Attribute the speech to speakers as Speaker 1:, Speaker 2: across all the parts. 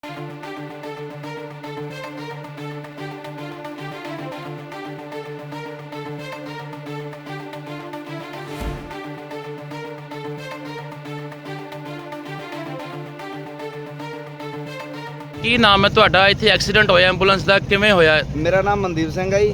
Speaker 1: ਕੀ ਨਾਮ ਹੈ ਤੁਹਾਡਾ? ਇੱਥੇ ਐਕਸੀਡੈਂਟ ਹੋਇਆ ਐਂਬੂਲੈਂਸ ਦਾ, ਕਿਵੇਂ ਹੋਇਆ?
Speaker 2: ਮੇਰਾ ਨਾਮ ਮਨਦੀਪ ਸਿੰਘ ਹੈ ਜੀ,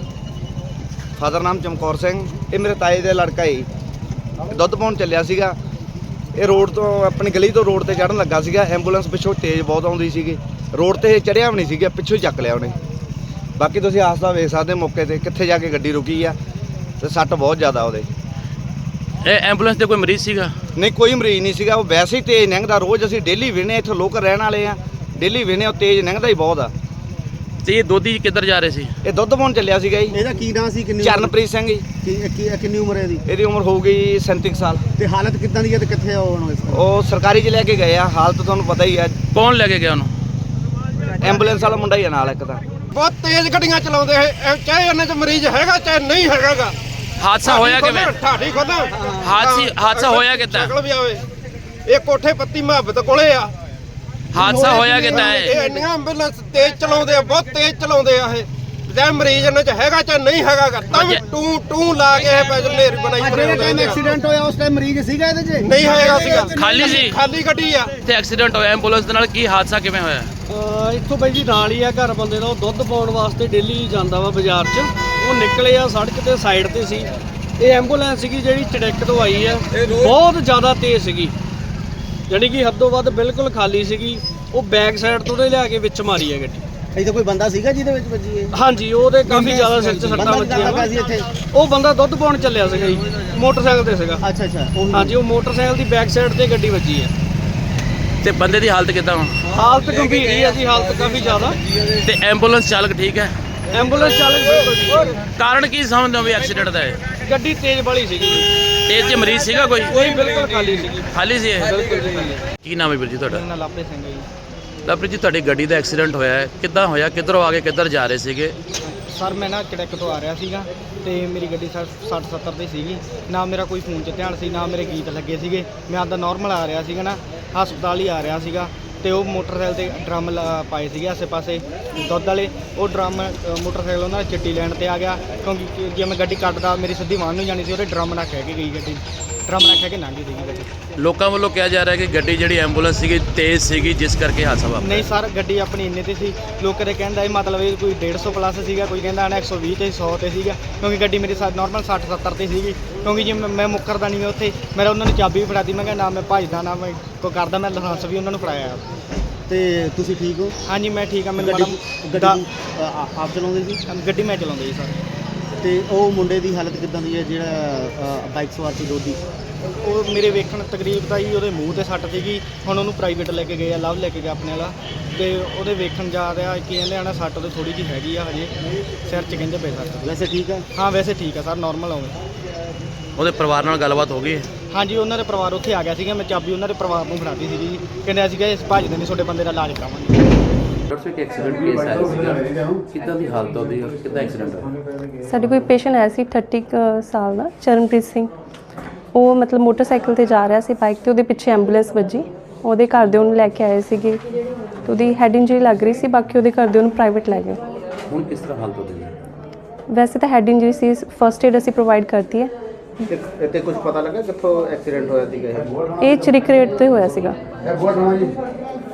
Speaker 2: ਫਾਦਰ ਨਾਮ ਚਮਕੌਰ ਸਿੰਘ। ਇਹ ਮੇਰੇ ਤਾਏ ਦਾ ਲੜਕਾ ਹੈ ਜੀ। ਦੁੱਧ ਪਾਉਣ ਚੱਲਿਆ ਸੀਗਾ। ਇਹ ਰੋਡ ਤੋਂ ਆਪਣੀ ਗਲੀ ਤੋਂ ਰੋਡ ਤੇ ਚੜ੍ਹਨ ਲੱਗਾ ਸੀਗਾ। ਐਂਬੂਲੈਂਸ ਪਿੱਛੋਂ ਤੇਜ਼ ਬਹੁਤ ਆਉਂਦੀ ਸੀਗੀ। ਰੋਡ ਤੇ ਚੜ੍ਹਿਆ ਵੀ ਨਹੀਂ ਸੀਗਾ, ਪਿੱਛੋਂ ਹੀ ਚੱਕ ਲਿਆ ਉਹਨੇ। ਬਾਕੀ ਤੁਸੀਂ ਹਾਦਸਾ ਵੇਖ ਸਕਦੇ ਮੌਕੇ ਤੇ ਕਿੱਥੇ ਜਾ ਕੇ ਗੱਡੀ ਰੁਕੀ ਆ, ਤੇ ਸੱਟ ਬਹੁਤ ਜ਼ਿਆਦਾ ਉਹਦੇ।
Speaker 1: ਇਹ ਐਂਬੂਲੈਂਸ 'ਤੇ ਕੋਈ ਮਰੀਜ਼ ਸੀਗਾ?
Speaker 2: ਨਹੀਂ, ਕੋਈ ਮਰੀਜ਼ ਨਹੀਂ ਸੀਗਾ। ਉਹ ਵੈਸੇ ਹੀ ਤੇਜ਼ ਲੰਘਦਾ। ਰੋਜ਼ ਅਸੀਂ ਡੇਲੀ ਵੇਖਦੇ, ਇੱਥੇ ਲੋਕ ਰਹਿਣ ਵਾਲੇ ਆ, ਡੇਲੀ ਵੇਖਦੇ। ਉਹ ਤੇਜ਼ ਲੰਘਦਾ ਹੀ ਬਹੁਤ ਆ।
Speaker 1: ਤੇ ਇਹ ਦੋਧੀ ਕਿੱਧਰ ਜਾ ਰਹੇ ਸੀ?
Speaker 2: ਇਹ ਦੁੱਧ ਪਾਉਣ ਚੱਲਿਆ ਸੀਗਾ ਜੀ।
Speaker 3: ਇਹਦਾ ਕੀ ਨਾਂ ਸੀ?
Speaker 2: ਚਰਨਪ੍ਰੀਤ ਸਿੰਘ ਜੀ।
Speaker 3: ਕਿੰਨੀ ਉਮਰ ਹੈ ਇਹਦੀ?
Speaker 2: ਇਹਦੀ ਉਮਰ ਹੋਊਗੀ 37 ਸਾਲ।
Speaker 3: ਤੇ ਹਾਲਤ ਕਿੱਦਾਂ ਦੀ ਹੈ ਤੇ ਕਿੱਥੇ ਆ ਹੁਣ ਇਸ ਵਕਤ?
Speaker 2: ਉਹ ਸਰਕਾਰੀ 'ਚ ਲੈ ਕੇ ਗਏ ਆ। ਹਾਲਤ ਤੁਹਾਨੂੰ ਪਤਾ ਹੀ ਆ।
Speaker 1: ਕੌਣ ਲੈ ਕੇ ਗਿਆ ਉਹਨੂੰ?
Speaker 2: ਐਂਬੂਲੈਂਸ ਵਾਲਾ ਮੁੰਡਾ ਹੀ ਆ ਨਾਲ ਇੱਕ ਤਾਂ।
Speaker 4: ਬਹੁਤ ਤੇਜ਼ ਗੱਡੀਆਂ ਚਲਾਉਂਦੇ ਹੈ, ਚਾਹੇ ਉਹਨਾਂ 'ਚ ਮਰੀਜ਼ ਹੈਗਾ ਚਾਹੇ ਨਹੀਂ ਹੈਗਾਗਾ।
Speaker 1: ਹਾਦਸਾ ਹੋਇਆ ਕਿਵੇਂ?
Speaker 4: ਠਾਠੀ ਖੋਦਾ
Speaker 1: ਹਾਦਸਾ ਹੋਇਆ ਕਿੱਦਾਂ?
Speaker 4: ਸ਼ਕਲ ਵੀ ਆਵੇ। ਇਹ ਕੋਠੇ ਪੱਤੀ ਮੁਹੱਬਤ ਕੋਲੇ ਆ।
Speaker 1: ਹਾਦਸਾ ਹੋਇਆ ਕਿੱਦਾਂ ਹੈ?
Speaker 4: ਇਹ ਇੰਨੀਆਂ ਐਂਬੂਲੈਂਸ ਤੇਜ਼ ਚਲਾਉਂਦੇ ਆ, ਬਹੁਤ ਤੇਜ਼ ਚਲਾਉਂਦੇ ਆ। ਇਹ ਚਾਹੇ ਮਰੀਜ਼ ਇਹਨਾਂ 'ਚ ਹੈਗਾ ਚਾਹੇ ਨਹੀਂ ਹੈਗਾਗਾ, ਤਾਂ ਵੀ ਟੂ ਲਾ ਕੇ ਇਹ ਪੈਸੇ ਨੇਰੀ ਬਣਾਈ
Speaker 3: ਜਿਹੜੇ ਟਾਈਮ ਐਕਸੀਡੈਂਟ ਹੋਇਆ ਉਸ ਟਾਈਮ ਮਰੀਜ਼ ਸੀਗਾ ਇਹਦੇ 'ਚ?
Speaker 4: ਨਹੀਂ ਹੈਗਾ ਸੀਗਾ,
Speaker 1: ਖਾਲੀ ਸੀ?
Speaker 4: ਖਾਲੀ ਗੱਡੀ ਆ।
Speaker 1: ਤੇ ਐਕਸੀਡੈਂਟ ਹੋਇਆ ਐਂਬੂਲੈਂਸ ਦੇ ਨਾਲ, ਕੀ ਹਾਦਸਾ ਕਿਵੇਂ ਹੋਇਆ?
Speaker 5: ਇੱਥੋਂ ਬਾਈ ਜੀ ਨਾਲ ਹੀ ਆ ਘਰ ਬੰਦੇ ਦਾ। ਉਹ ਦੁੱਧ ਪਾਉਣ ਵਾਸਤੇ ਡੇਲੀ ਜਾਂਦਾ ਵਾ ਬਾਜ਼ਾਰ 'ਚ। ਉਹ ਨਿਕਲੇ ਆ ਸੜਕ ਤੇ ਸਾਈਡ ਤੇ ਸੀ। ਇਹ ਐਂਬੂਲੈਂਸ ਸੀਗੀ ਜਿਹੜੀ ਚੜੈਕ ਤੋਂ ਆਈ ਆ, ਬਹੁਤ ਜ਼ਿਆਦਾ ਤੇਜ਼ ਸੀਗੀ, ਯਾਨੀ ਕਿ ਹੱਦੋਂ ਵੱਧ ਬਿਲਕੁਲ ਖਾਲੀ ਸੀਗੀ। ਉਹ ਬੈਕ ਸਾਈਡ ਤੋਂ ਉਹਦੇ ਲਿਆ ਕੇ ਵਿੱਚ ਮਾਰੀ ਆ ਗੱਡੀ।
Speaker 3: ਇੱਥੇ ਕੋਈ ਬੰਦਾ ਸੀਗਾ ਜਿਹਦੇ ਵਿੱਚ ਵੱਜੀ ਹੈ?
Speaker 5: ਹਾਂਜੀ, ਉਹਦੇ ਕਾਫੀ ਜ਼ਿਆਦਾ ਸਿਰ 'ਚ ਸੱਟਾਂ ਵੱਜੀਆਂ। ਉਹ ਬੰਦਾ ਦੁੱਧ ਪਾਉਣ ਚੱਲਿਆ ਸੀਗਾ ਜੀ, ਮੋਟਰਸਾਈਕਲ ਤੇ ਸੀਗਾ।
Speaker 3: ਅੱਛਾ ਅੱਛਾ।
Speaker 5: ਹਾਂਜੀ, ਉਹ ਮੋਟਰਸਾਈਕਲ ਦੀ ਬੈਕ ਸਾਈਡ ਤੇ ਗੱਡੀ ਵੱਜੀ ਆ।
Speaker 1: ਤੇ ਬੰਦੇ ਦੀ ਹਾਲਤ ਕਿੱਦਾਂ ਹੁਣ?
Speaker 5: ਹਾਲਤ ਗੰਭੀਰ ਹੀ ਆ ਜੀ, ਹਾਲਤ ਕਾਫੀ ਜ਼ਿਆਦਾ।
Speaker 1: ਤੇ ਐਂਬੂਲੈਂਸ ਚਾਲਕ ਠੀਕ ਹੈ?
Speaker 5: ਐਂਬੂਲੈਂਸ ਚਾਲਕ ਬਿਲਕੁਲ ਠੀਕ ਹੈ।
Speaker 1: ਕਾਰਨ ਕੀ ਸਮਝਦੇ ਹੋ ਵੀ ਐਕਸੀਡੈਂਟ ਦਾ ਹੈ?
Speaker 5: ਗੱਡੀ ਤੇਜ਼ ਵਾਲੀ ਸੀਗੀ।
Speaker 1: ਤੇਜ਼ 'ਚ ਮਰੀਜ਼ ਸੀਗਾ ਕੋਈ?
Speaker 5: ਕੋਈ ਬਿਲਕੁਲ ਖਾਲੀ ਸੀਗੀ।
Speaker 1: ਖਾਲੀ ਸੀ ਇਹ?
Speaker 5: ਬਿਲਕੁਲ ਜੀ ਖਾਲੀ।
Speaker 1: ਕੀ ਨਾਮ ਹੈ ਵੀਰ ਜੀ ਤੁਹਾਡਾ?
Speaker 3: ਮੇਰਾ ਨਾਮ ਲਾਪੇ ਸਿੰਘ ਹੈ ਜੀ।
Speaker 1: ਲਵਪ੍ਰੀਤ ਜੀ, ਤੁਹਾਡੀ ਗੱਡੀ ਦਾ ਐਕਸੀਡੈਂਟ ਹੋਇਆ ਹੈ, ਕਿੱਦਾਂ ਹੋਇਆ? ਕਿੱਧਰੋਂ ਆ ਕੇ ਕਿੱਧਰ ਜਾ ਰਹੇ ਸੀਗੇ?
Speaker 3: ਸਰ ਮੈਂ ਨਾ ਚੜੈਕ ਤੋਂ ਆ ਰਿਹਾ ਸੀਗਾ ਤੇ ਮੇਰੀ ਗੱਡੀ 60-70 ਦੀ ਸੀਗੀ। ਨਾ ਮੇਰਾ ਕੋਈ ਫੋਨ 'ਚ ਧਿਆਨ ਸੀ, ਨਾ ਮੇਰੇ ਗੀਤ ਲੱਗੇ ਸੀਗੇ। ਮੈਂ ਆਪਦਾ ਨਾਰਮਲ ਆ ਰਿਹਾ ਸੀਗਾ ਨਾ, ਹਸਪਤਾਲ ਹੀ ਆ ਰਿਹਾ ਸੀਗਾ। ਤੇ ਉਹ ਮੋਟਰਸਾਈਕਲ ਤੇ ਡਰਮ ਪਾਏ ਸੀਗੇ ਆਸੇ ਪਾਸੇ ਦੁੱਧ ਵਾਲੇ। ਉਹ ਡਰਮ ਮੋਟਰਸਾਈਕਲ ਉਹਨਾਂ ਦਾ ਚਿੱਟੀ ਲੈਣ ਤੇ ਆ ਗਿਆ, ਕਿਉਂਕਿ ਜੇ ਮੈਂ ਗੱਡੀ ਕੱਟਦਾ ਮੇਰੀ ਸਿੱਧੀ ਵਾਹਨ ਨੂੰ ਜਾਣੀ ਸੀ। ਉਹਦੇ ਡਰਮ ਨਾਲ ਖਹਿ ਕੇ ਗਈ ਗੱਡੀ, ਡਰਮ ਨਾਲ ਖਹਿ ਕੇ ਲੰਘ ਗਈ ਸੀਗੀ ਗੱਡੀ।
Speaker 1: ਲੋਕਾਂ ਵੱਲੋਂ ਕਿਹਾ ਜਾ ਰਿਹਾ ਕਿ ਗੱਡੀ ਜਿਹੜੀ ਐਂਬੂਲੈਂਸ ਸੀਗੀ ਤੇਜ਼ ਸੀਗੀ, ਜਿਸ ਕਰਕੇ ਹਾਦਸਾ ਵਾਪਰਿਆ।
Speaker 3: ਨਹੀਂ ਸਰ, ਗੱਡੀ ਆਪਣੀ ਇੰਨੇ ਤੇ ਸੀ। ਲੋਕਾਂ ਦੇ ਕਹਿੰਦਾ ਇਹ ਮਤਲਬ ਇਹ ਕੋਈ 150 ਪਲੱਸ ਸੀਗਾ, ਕੋਈ ਕਹਿੰਦਾ 120 ਤੇ 100 ਤੇ ਸੀਗਾ, ਕਿਉਂਕਿ ਗੱਡੀ ਮੇਰੀ ਨਾਰਮਲ 60-70 ਤੇ ਸੀਗੀ। ਕਿਉਂਕਿ ਜੇ ਮੈਂ ਮੁੱਕਰਦਾ ਨਹੀਂ ਉੱਥੇ, ਮੇਰਾ ਉਹਨਾਂ ਨੇ ਚਾਬੀ ਵੀ ਫੜਾਤੀ। ਮੈਂ ਕਿਹਾ ਨਾ ਮੈਂ ਭੱਜਦਾ ਨਾ ਮੈਂ ਕੋਈ ਕਰਦਾ, ਮੈਂ ਲਾਇਸੈਂਸ ਵੀ ਉਹਨਾਂ ਨੂੰ ਫੜਾਇਆ।
Speaker 5: ਤੇ ਤੁਸੀਂ ਠੀਕ ਹੋ?
Speaker 3: ਹਾਂਜੀ ਮੈਂ ਠੀਕ ਹਾਂ। ਮੈਨੂੰ
Speaker 5: ਗੱਡੀ ਆਪ ਚਲਾਉਂਦੇ ਸੀ?
Speaker 3: ਗੱਡੀ ਮੈਂ ਚਲਾਉਂਦਾ ਜੀ ਸਰ।
Speaker 5: ਤੇ ਉਹ ਮੁੰਡੇ ਦੀ ਹਾਲਤ ਕਿੱਦਾਂ ਦੀ ਹੈ ਜਿਹੜਾ ਬਾਈਕ ਸਵਾਰ ਸੀ ਦੋਧੀ?
Speaker 3: ਉਹ ਮੇਰੇ ਵੇਖਣ ਤਕਰੀਬ ਤਾਂ ਜੀ ਉਹਦੇ ਮੂੰਹ ਤੇ ਸੱਟ ਸੀਗੀ। ਹੁਣ ਉਹਨੂੰ ਪ੍ਰਾਈਵੇਟ ਲੈ ਕੇ ਗਏ ਆ, ਲਵ ਲੈ ਕੇ ਗਿਆ ਆਪਣੇ ਵਾਲਾ। ਤੇ ਉਹਦੇ ਵੇਖਣ ਜਾ ਰਿਹਾ ਕੀ ਕਹਿੰਦੇ ਆ ਨਾ, ਸੱਟ ਉਹਦੇ ਥੋੜੀ ਜਿਹੀ ਹੈਗੀ ਆ ਹਜੇ ਸਿਰ 'ਚ, ਕਹਿੰਦੇ ਪਏ ਸੱਟ।
Speaker 5: ਵੈਸੇ ਠੀਕ ਹੈ?
Speaker 3: ਹਾਂ ਵੈਸੇ ਠੀਕ ਆ ਸਰ, ਨਾਰਮਲ ਆਉਂਦੇ।
Speaker 1: ਉਹਦੇ ਪਰਿਵਾਰ ਨਾਲ ਗੱਲਬਾਤ ਹੋ ਗਈ ਹੈ?
Speaker 3: ਹਾਂਜੀ, ਉਹਨਾਂ ਦੇ ਪਰਿਵਾਰ ਉੱਥੇ ਆ ਗਿਆ ਸੀਗਾ। ਮੈਂ ਚਾਬੀ ਉਹਨਾਂ ਦੇ ਪਰਿਵਾਰ ਨੂੰ ਫੜਾਤੀ ਸੀਗੀ ਜੀ। ਕਹਿੰਦੇ ਅਸੀਂ ਇਸ ਭੱਜਦੇ ਨਹੀਂ, ਤੁਹਾਡੇ ਬੰਦੇ ਦਾ ਇਲਾਜ ਕਰਾਵਾਂਗੇ।
Speaker 1: ਡਾਕਟਰ ਸਾਹਿਬ, ਐਕਸੀਡੈਂਟ ਕੇਸ ਆਇਆ ਸੀਗਾ, ਕਿੱਦਾਂ ਦੀ ਹਾਲਤ ਉਹਦੀ, ਕਿੱਦਾਂ ਐਕਸੀਡੈਂਟ ਹੋਇਆ?
Speaker 6: ਸਾਡੇ ਕੋਈ ਪੇਸ਼ੈਂਟ ਆਇਆ ਸੀ 30 ਸਾਲ ਦਾ, ਚਰਨਪ੍ਰੀਤ ਸਿੰਘ। ਉਹ ਮਤਲਬ ਮੋਟਰਸਾਈਕਲ ਤੇ ਜਾ ਰਿਹਾ ਸੀ ਬਾਈਕ ਤੇ, ਉਹਦੇ ਪਿੱਛੇ ਐਂਬੂਲੈਂਸ ਵੱਜੀ। ਉਹਦੇ ਘਰ ਦੇ ਉਹਨੂੰ ਲੈ ਕੇ ਆਏ ਸੀਗੇ ਤੇ ਉਹਦੀ ਹੈਡ ਇੰਜਰੀ ਲੱਗ ਰਹੀ ਸੀ। ਬਾਕੀ ਉਹਦੇ ਘਰ ਦੇ ਉਹਨੂੰ ਪ੍ਰਾਈਵੇਟ ਲੈ ਗਏ।
Speaker 1: ਹੁਣ ਕਿਸ ਤਰ੍ਹਾਂ ਹਾਲਤ ਉਹਦੀ ਹੈ?
Speaker 6: ਵੈਸੇ ਤਾਂ ਹੈਡ ਇੰਜਰੀ ਸੀ, ਫਰਸਟ ਏਡ ਅਸੀਂ ਪ੍ਰੋਵਾਈਡ ਕਰਤੀ ਹੈ।
Speaker 3: ਇੱਥੇ ਕੁਝ ਪਤਾ ਲੱਗਾ ਕਿੱਥੋਂ ਐਕਸੀਡੈਂਟ ਹੋਇਆ ਸੀਗਾ?
Speaker 6: ਇਹ ਚਰਿਕ ਰੇਟ ਤੇ ਹੋਇਆ ਸੀਗਾ।